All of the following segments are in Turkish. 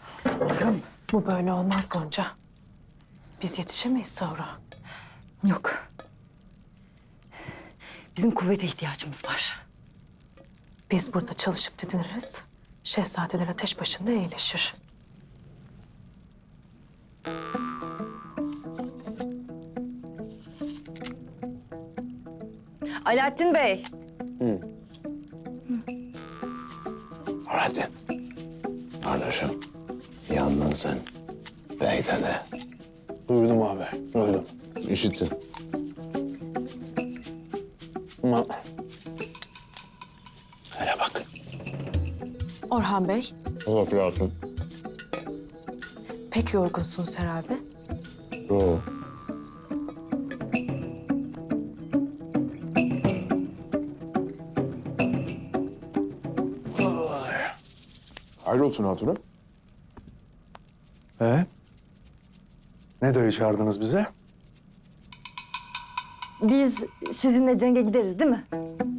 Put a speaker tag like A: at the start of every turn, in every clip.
A: Bu böyle olmaz Gonca. Biz yetişemeyiz sahura.
B: Yok. Bizim kuvvete ihtiyacımız var.
A: Biz burada çalışıp didiniriz. Şehzadeler ateş başında iyileşir.
B: Alaaddin Bey.
C: Hadi. Kardeşim, yandın sen. Bey'de de.
D: Duydum abi, duydum.
C: İşittim.
D: Ama
C: Hele bak.
A: Orhan Bey,
C: Bak hayatım.
A: pek yorgunsunuz herhalde.
C: Yo.
D: hayrolsun hatunum. Ne dayı çağırdınız bize?
B: Biz sizinle cenge gideriz değil mi?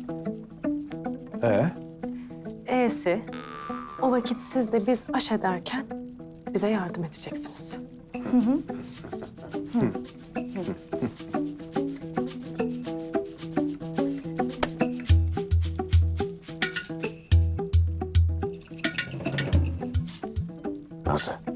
A: E'si, o vakit siz de biz aş ederken bize yardım edeceksiniz.
C: Nasıl?